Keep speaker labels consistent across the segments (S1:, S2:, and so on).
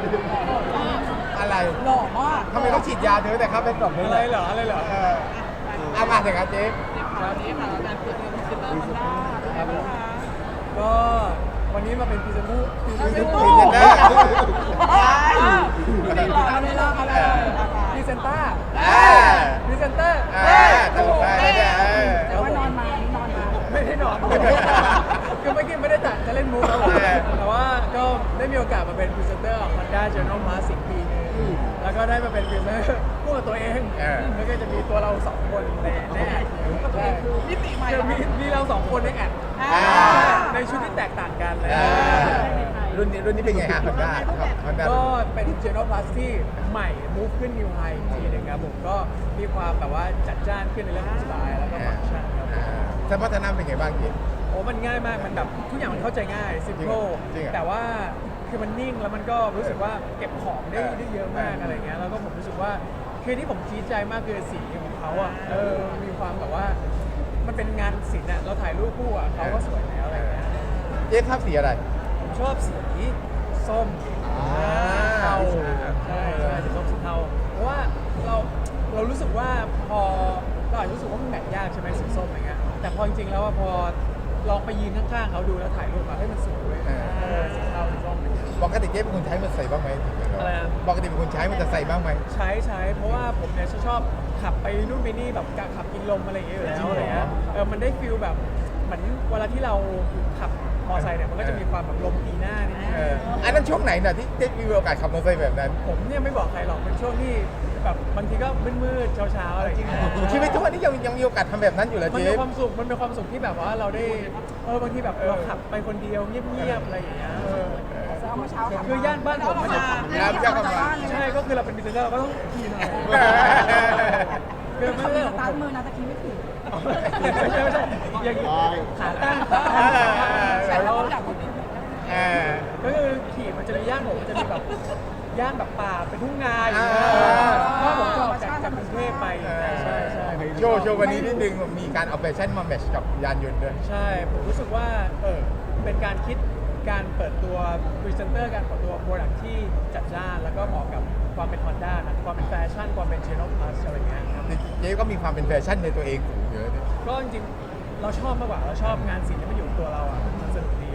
S1: อะไร
S2: หล่อมาก
S1: ทำไมต้องฉีดยาเธอแต่ครับเป็นกล่องนี้
S3: อะไรเหรอ
S1: เอามาเถอะครับเจ๊
S2: วันนี้ค่ะงานเปิดตัวพรีเซนเตอร์มันด้าเป็นไงบ้างคะ
S3: ก็วันนี้มาเป็นพรีเซนเตอร์
S1: พรีเซนเตอร์
S2: ไม่หล่ออะไรล่ะอะไร
S3: พรีเซนเตอร์
S1: อ่า
S3: พรีเซนเตอร์
S1: ตลกได้เนี่ย
S2: แต่ว่านอนมานี่นอนมา
S3: ไม่ได้นอนคือเมื่อกี้ไม่ได้ตัดจะเล่นมูฟครับผมแต่ว่าก็ได้มีโอกาสมาเป็นพรีเซนเตอร์ของ Honda Journal Plus อีกปีนึงแล้วก็ได้มาเป็นพรีเซนเตอร์คู่กับตัวเองแล้วก็จะมีตัวเราสองคนในแอดใช่
S2: มิติใหม่
S3: จะมีเราสองคนในแอดในชุดที่แตกต่างกันเลย
S1: รุ่นนี้เป็นไงฮะมันได้มันได้
S3: ก็เป็น Journal Plus ที่ใหม่ move ขึ้น New High อีกทีหนึงครับผมก็มีความแบบว่าจัดจ้านขึ้นในเรื่องของสไตล์แล้วก็ฟังก์ชันครับ
S1: สมรรถนะเป็นไงบ้างเจ๊
S3: โอ้มันง่ายมาก มันแบบทุกอย่างมันเข้าใจง่าย simple
S1: จริงเหรอ
S3: แต่ว่าคือมันนิ่งแล้วมันก็รู้สึกว่าเก็บของได้เยอะมากอะไรเงี้ย แล้วก็ผมรู้สึกว่าคือที่ผมชี้ใจมากคือสีของเขาอ่ะมีความแบบว่ามันเป็นงานศิลป์อ่ะเราถ่ายรูปคู่อ่ะเขาก็สวยแล้วอะไรเงี้ย
S1: เจ๊ชอบสีอะไร
S3: ผมชอบสีส้มเทาใช่สีส้มสีเทาเพราะว่าเรารู้สึกว่าพอเราอาจจะรู้สึกว่ามันแมทยากใช่ไหมสีส้มอะไรเงี้ยแต่พอจริงๆแล้วพอลองไปยืนข้างๆเขาดูแล้วถ่ายรูปอะให้มันสวยเว้ยสีเทาสีส้มอะไรเงี้ย
S1: ปกติเจ๊เป็นคนใช้มันใส่บ้างไหม
S3: อะไรนะ
S1: ปกติเป็นคนใช้มันจะใส่บ้างไหม
S3: ใช้เพราะว่าผมเนี่ยชอบขับไปนู่นไปนี่แบบขับกินลมอะไรอย่างเงี้ยอยู่แล้วอะไรเงี้ยมันได้ฟิลแบบเหมือนเวลาที่เราขับมอเตอร์ไซค์เนี่ยมันก็จะมีความแบบลมตีหน้านิดนึง
S1: อันนั้นช่วงไหนน่ะที่เจ๊มีโอกาสขับมอเตอร์ไซค์แบบนั้น
S3: ผมเนี่ยไม่บอกใครหรอกเป็นช่วงที่แบบบางทีก็มืดๆเช้าๆอะไรอย่างเงี้ย
S1: ชีวิตทุกวันนี้ยังมีโอกาสทำแบบนั้นอยู่เหรอ
S3: มัน
S1: เจ๊
S3: เป็นความสุขที่แบบว่าเราได้บางทีแบบเราขับไปคนเดียวเงียบๆอะไรอย่างเงี้ย
S2: แต่เมื่อเช้าขับ
S3: คือย่านบ้านผมมันจะ ใช่ก็คือเราเป็นบิสเนสเราก็ต้องขี่หน่อยคือ
S2: ขับ
S3: ไม่
S2: ส
S3: ใช่
S2: ตาร์ทมือนะตะกี้ไม่ถึง
S3: ไม่ใช่อย่างนี้ขาตั้งใส่เรา ก็คือขี่มันจะมีย่านผมมันจะมีแบบย่านแบบป่าเป็นทุ่งนาอย่างเงี้ยถ้าผมจะออกจากกรุงเทพไปใช่
S1: โชว์วันนี้นิดนึงมีการเอาแฟชั่นมาแมทช์กับยานยนต์ด้วย
S3: ใช่ผมรู้สึกว่าเป็นการคิดการเปิดตัวพรีเซนเตอร์การเปิดตัวโปรดักที่จัดจ้านแล้วก็เหมาะกับความเป็น Honda นะความเป็นแฟชั่นความเป็น Journal Plus อะไรเงี้ยครับ
S1: เจ๊ก็มีความเป็นแฟชั่นในตัวเองสูงเยอะเนี่ย
S3: ก็จริงๆเราชอบมากกว่าเราชอบงานศิลป์ที่มันอยู่ตัวเราอ่ะมันสนุกดี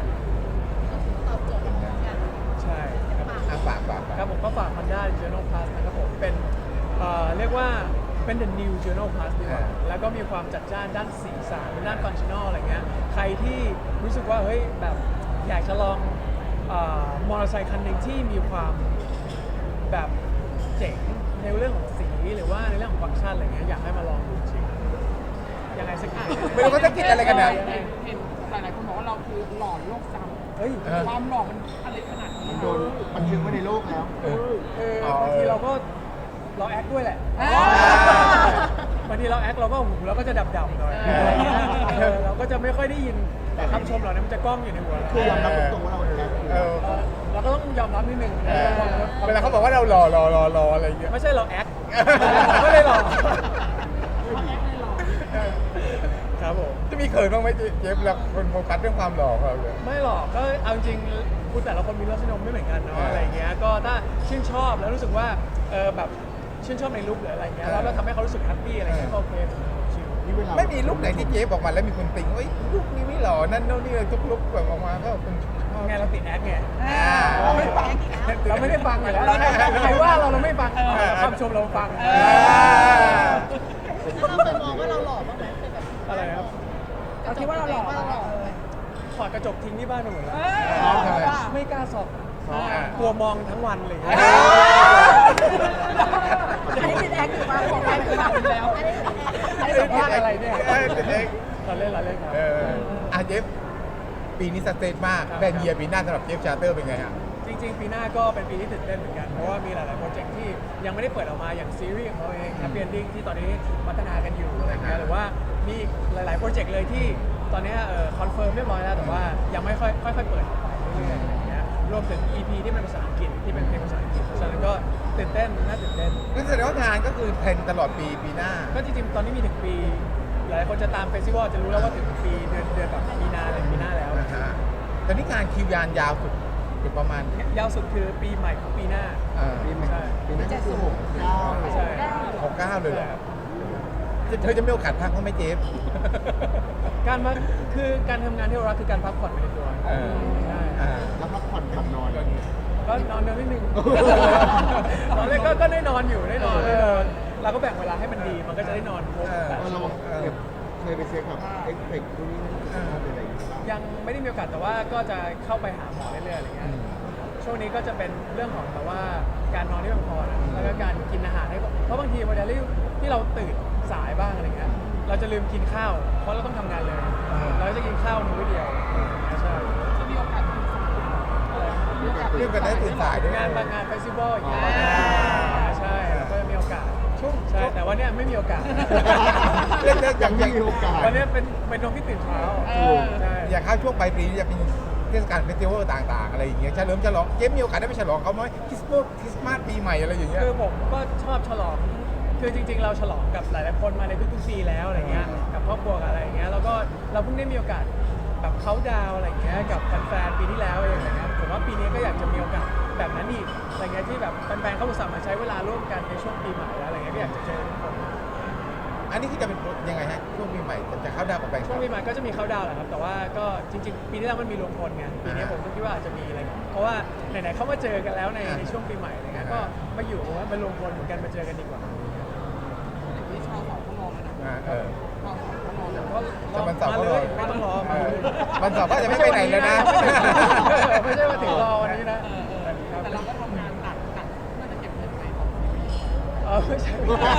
S3: ใช่ครับ
S1: ฝาก
S3: ครับผมก็ฝาก Honda Journal Plus นะครับผมเป็นเรียกว่าเป็น the new Journal Plus ดีกว่าแล้วก็มีความจัดจ้านด้านสีสันด้านฟังชั่นอลอะไรเงี้ยใครที่รู้สึกว่าเฮ้ยแบบอยากจะลองมอเตอร์ไซค์คันหนึ่งที่มีความแบบเจ๋งในเรื่องของสีหรือว่าในเรื่องของฟังก์ชันอะไรเงี้ยอยากให้มาลองดูจริงยังไงสักที
S1: ไม่รู้เขาจะคิดอะไรกันนะ
S2: เห็นหลายๆคนบอกว่าเราคือหลอนโลกจ
S3: เฮ้ย
S2: ำความหลอนมันอะไรขนาดนี้
S4: โดนบันทึกไว้ในโลกแล้ว
S3: บางทีเราแอคด้วยแหละบางทีเราแอคเราก็หูเราก็จะดับๆหน่อยเราก็จะไม่ค่อยได้ยินคำชมเหล่านี้มันจะก้องอยู่ในหัว
S4: คือยอมรับตรงๆว่าเราแอค
S3: เราก็ต้องยอมรับนิดนึง
S1: เวลาเขาบอกว่าเรารออะไรอย่างเงี้ย
S3: ไม่ใช่เราแอคไม่ได้หรอกครับผม
S1: จะมีเขินบ้างไหมเจ๊เวลาคนโฟกัสเรื่องความหล่อของเราเลย
S3: ไม่หรอกก็เอาจริงคุณแต่ละคนมีรสนิยมไม่เหมือนกันเนาะอะไรเงี้ยก็ถ้าชื่นชอบแล้วรู้สึกว่าแบบชื่นชอบในลุคหรืออะไรเงี้ยแล้วก็ทำให้เขารู้สึกแฮปปี้อะไรเงี้ยก็โอเคชิล
S4: นี่เวลา
S1: ไม่มีลุคไหนที่เจ๊บอกมาแล้วมีคนติงว่าลุคนี้ไม่หล่อนั่นโน่นนี่เลยทุกลุคแบบออกมาก็คนชอบ
S3: ไงเราติดแอคไง
S2: เราไม่ฟัง
S3: เราไม่ได้ฟังอยู่แล้วใครว่าเราไม่ฟังคำชมเราฟัง
S5: แล้วเราเคยมองว่าเราหล่อบ้างไหมเคยแบบ
S3: อะไรครับ
S2: เราคิดว่าเราหล่อ
S3: ถอดกระจกทิ้งที่บ้านไปหมดแล้ว
S1: ทำไม
S3: ไม่กล้าส่อง
S1: อ่า
S3: กลัวมองทั้งวันเลย
S2: อันนี้ติดแอคอยู่มาของใครเป็นแบบแล้ว
S3: อันนี้สัมภาษณ์อะไรเนี่ย
S1: ติดเอง
S3: เราเล่นครับ
S1: เจฟปีนี้สเตทมากแบรนด์เยียร์ปีหน้าสำหรับเจฟชาร์เตอร์เป็นไงฮะ
S3: จริงๆปีหน้าก็เป็นปีที่ตื่นเต้นเหมือนกัน เพราะว่ามีหลายๆโปรเจกต์ที่ยังไม่ได้เปิดออกมาอย่างซีรีส์ของเราเอง Happy Ending ที่ตอนนี้พัฒนากันอยู่อะไรเงี้ยหรือว่ามีหลายๆโปรเจกต์เลยที่ตอนนี้คอนเฟิร์มเรียบร้อยแล้วแต่ว่ายังไม่ค่อยเปิดออกไปเรื่อยๆอะไรเงี้ยรวมถึง EP ที่เป็นภาษาอังกฤษที่เป็นเพลงภาษาอังกฤษฉะนั้นก็ตื่นเต้นน่าตื่นเต้น
S1: ก็แสดงว่างานก็คือเทรนตลอดปีหน้า
S3: ก็จริงๆตอนนี้มีถึงปี หลายคนจะตามเฟสติวัลจะรู้แล้วว่าถึงปีเดือนแบบมีนาอะไรปีหน้าแล้ว
S1: นะฮะตอนนี้งานคิวยานยาวสุดอยู่ประมาณ
S3: ยาวสุดคือปีใหม่ของปีหน้า
S4: ปีใหม่
S3: ใช่
S4: ปีนั้นก็คือ69
S3: ใช่
S1: 69เลยเหรอเธอจะมีโอกาสพักเขาไหมเจฟ
S3: การพักคือการทำงานที่เรารักคือการพักผ่อนไปในตัว ใช่
S4: แล้วพักผ่อนกับนอน
S3: ก็นอนเร็วนิดนึง ตอนแรกก็ได้นอนอยู่ได้นอนเราก็แบ่งเวลาให้มันดีมันก็จะได้นอนครบ8 ชั่ว
S4: เรา
S3: โมง
S4: เคยไปเช็คกับเอ็กเพกพวกนี้อะไรอย่างเงี้ย
S3: ยังไม่ได้มีโอกาสแต่ว่าก็จะเข้าไปหาหมอเรื่อยๆอะไรเงี้ยช่วงนี้ก็จะเป็นเรื่องของแบบว่าการนอนที่เพียงพอนะแล้วก็การกินอาหารให้เพราะบางทีเวลาที่เราตื่นสายบ้างอะไรเงี้ยเราจะลืมกินข้าวเพราะเราต้องทำงานเลยเราจะกินข้าวมื้อเดียวใช่
S2: จะมีโอกาสถึงสายอะไร
S1: เรื่องกันได้ตื่นสายด้วย
S3: งานบางงานเฟสติวัลอย่างเงี้ยใช่ก็จะมีโอกาสใช่แต่ว่าเนี่ยไม่มีโอกาส
S1: เรื่องอย่าง
S4: ไม่มีโอกาส
S3: วันนี้เป็นน้องที่ตื่นเช้าใช่
S1: อย่างเข้าช่วงปลายปีนี่จะเป็นเทศกาลเฟสติวัลต่างๆ อะไรอย่างเงี้ยเฉลิมฉลองเจฟมีโอกาสได้ไปฉลองเขาไหมคริสต์มาสปีใหม่อะไรอย่างเงี้ย
S3: คือผมก็ชอบฉลองคือจริงๆ เราฉลองกับหลายๆคนมาในทุกๆปีแล้วอะไรเงี้ยกับครอบครัวกับอะไรอย่างเงี้ยแล้วก็เราเพิ่งได้มีโอกาสแบบเขาดาวอะไรอย่างเงี้ยกับแฟนๆปีที่แล้วอะไรอย่างเงี้ยผมว่าปีนี้ก็อยากจะมีโอกาสแบบนั้นอีกอะไรเงี้ยที่แบบแฟนๆเขาอุตส่าห์มาใช้เวลาร่วมกันในช่วงปีใหม่แล้วอะไรเงี้ยก็อยากจะเจอทุกคน
S1: อันนี้ที่จะเป็นยังไงฮะช่วงปีใหม่จะเข้าดาวกับแบงค์
S3: ช่วงปีใหม่ก็จะมีเขาดาวน์แหละครับแต่ว่าก็จริงๆปีที่แล้วมันมีรวมพลไงปีนี้ผมก็คิดว่าอาจจะมีอะไรเพราะว่าไหนๆเขามาเจอกันแล้วในช่วงปีใหม่อะไรเงี้ยก็มาอยู่ว่ามารวมพลเหมือนกันมาเจอกันดีกว่า
S2: ที่ชาวสองเขามองนะ
S1: เออ
S2: ชาวสองเขามองนะ
S3: ก็
S1: แต่มันสอบ
S3: มา
S1: ก็
S3: เล
S1: รอ
S3: ยไม่ต้องรอมาเลย
S1: มันสอบก็จะไม่ไปไหนเลยนะ
S3: ไม่ใช่ว่าถึงรอวันนี้นะ
S2: แต่เราก็ทำงานหนักเพื่อจะเก็บเงินไปของ
S3: ไม่ใช่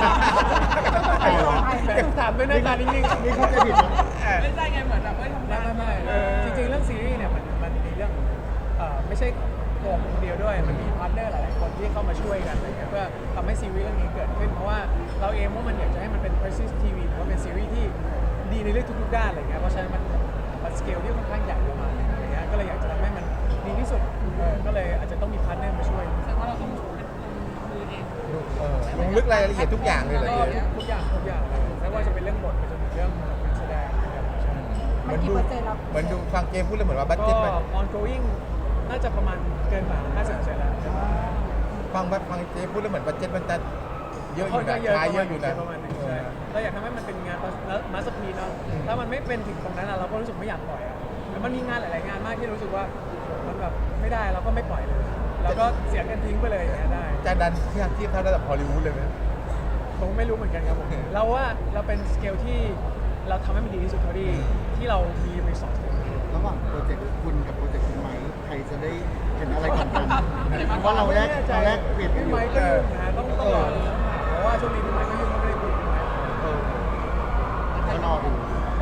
S3: ถามด้วยหน้าตานิ่งๆ
S4: นี่เขาจะผิดนะ
S2: ไม่ใช่ไงเหมือนแบบทำงาน
S3: ไม่จริงๆเรื่องซีรีส์เนี่ยมันมีเรื่องไม่ใช่ตัวผมคนเดียวด้วยมันมีพาร์ทเนอร์หลายๆคนที่เข้ามาช่วยกันอะไรเงี้ยเพื่อทำให้ซีรีส์เรื่องนี้เกิดขึ้นเพราะว่าเราเองว่ามันอยากจะให้มันเป็น Prestige TV หรือว่าเป็นซีรีส์ที่ดีในเรื่องทุกๆด้านอะไรเงี้ยเพราะฉะนั้นมันสเกลที่ค่อนข้างใหญ่ประมาณนึงอะไรเงี้ยก็เลยอยากจะทำให้มันดีที่สุดก็เลยอาจจะต้องมีพาร์ทเนอร์มาช่วย
S2: แสดงว่าเราต้องเป็นมือเอง
S1: ลงลึกรายละเอียดทุกอย่างเลยเหรอเจฟ
S3: ทุกอย่างเลยไม่ว่าจะเป็นเรื่องบทไปจนถึงเรื่องการแสดงนะครับใช่
S1: เหมือนดูฟังเกมพูดแล้วเหมือนว่าบัต
S3: ก็
S1: เจ็ตมัน
S3: ongoing น่าจะประมาณเกินกว่า50%แล้ว
S1: ฟังเจฟพูดแล้วเหมือนบัตเจ็ตมันจะเยอะอ
S3: ค่อน
S1: ยู่
S3: ข้า
S1: นะ
S3: งเยอะ
S1: รายเยอะอยู่นะ
S3: ประมาณนึงใช่เราอยากทำให้มันเป็นงานมาสเตอร์พีซเนาะถ้ามันไม่เป็นถึงตรงนั้นเราก็รู้สึกไม่อยากปล่อยอ่ะแล้วมันมีงานหลายๆงานมากที่รู้สึกว่ามันแบบไม่ได้เราก็ไม่ปล่อยเลยเราก็เสียกันทิ้งไปเลยอย่างเงี้ยได้
S1: จะดันเทียบเท่าระดับฮอลลีวูดเลยไหม
S3: ผมไม่รู้เหมือนกันครับผมเราว่าเราเป็นสเกลที่เราทำให้มันดีที่สุดเท่าที่เรามีรีซอส
S4: ระหว่างโปรเจกต์คุณกับโปรเจกต์คุณไม้ใครจะได้เห็นอะไรกันกันเพราะเราแรกเปลี่ยนกันอยู่
S3: พี่ไม้ก็ยุ่งนะต้องรอดูเพราะว่าช่วงนี้พี่ไม้ก็ยุ่งไม่ได้คุยพี่ไม้
S4: ก็รอดู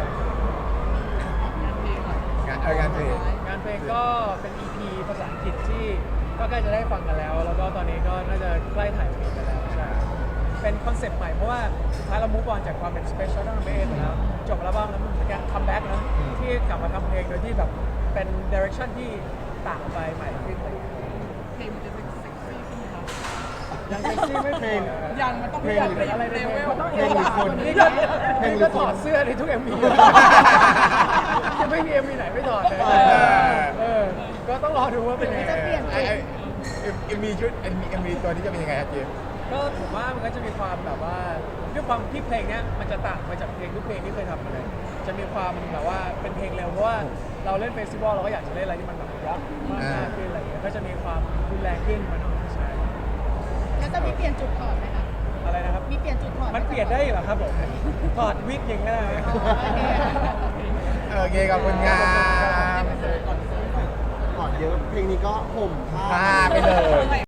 S1: งานเพลง
S3: งานเพลงก็เป็น EP ภาษาอังกฤษที่ก็ใกล้จะได้ฟังกันแล้ว แล้วก็ตอนนี้ก็น่าจะใกล้ถ่ายกันแล้วใช่เป็นคอนเซ็ปต์ใหม่เพราะว่าสุดท้ายเรามุกออนจากความเป็น Special ตั้งแต่เบสแล้วจบอัลบั้มแล้วมันเหมือนกันคัมแบ็กนะที่กลับมาทำเพลงโดยที่แบบเป็น direction ที่ต่างไปใหม่ขึ้นอะไรอย่างเงี้ย
S2: เพลงมันจะเป็นเซ็กซี่ขึ้นไหม
S3: ยังเซ็กซี่ไม่พอ
S2: ยังมันต้อง
S4: เพลง
S2: เป็นอะไรในเวล
S4: เพลงหรือคน
S3: นี่ก็ถอดเสื้อในทุก MV จะไม่มี MV ไหนไม่ถอดเลยก็ต้องรอดูว่าเป็นยังไง
S1: เอ็มวีชุดเอ็มวีตัวนี้จะเป็นยังไงครับเจฟ
S3: ก็ผมว่ามันก็จะมีความแบบว่าด้วยความที่เพลงเนี้ยมันจะต่างไปจากเพลงทุกเพลงที่เคยทำมาเลย จะมีความแบบว่าเป็นเพลงเร็วเพราะว่าเราเล่นเฟสติวัลเราก็อยากจะเล่นอะไรที่มันแบบร็อกมากขึ้นอะไรอย่างเงี้ยก็จะมีความรุนแรงขึ้นมาหน่อยใช่
S5: แล้วจะมีเปลี่ยนจุดถอดไหมคะ
S3: อะไรนะครับ
S5: มีเปลี่ยนจุดถอดไห
S3: มันเปลี่ยนได้เหรอครับผมถอดวิกอย่างเงี้ยได้ไหม
S1: โอเคขอบคุณครับ
S4: ก่อนเยอะเพลงนี้ก็ห่มผ้า
S1: พาไปเลย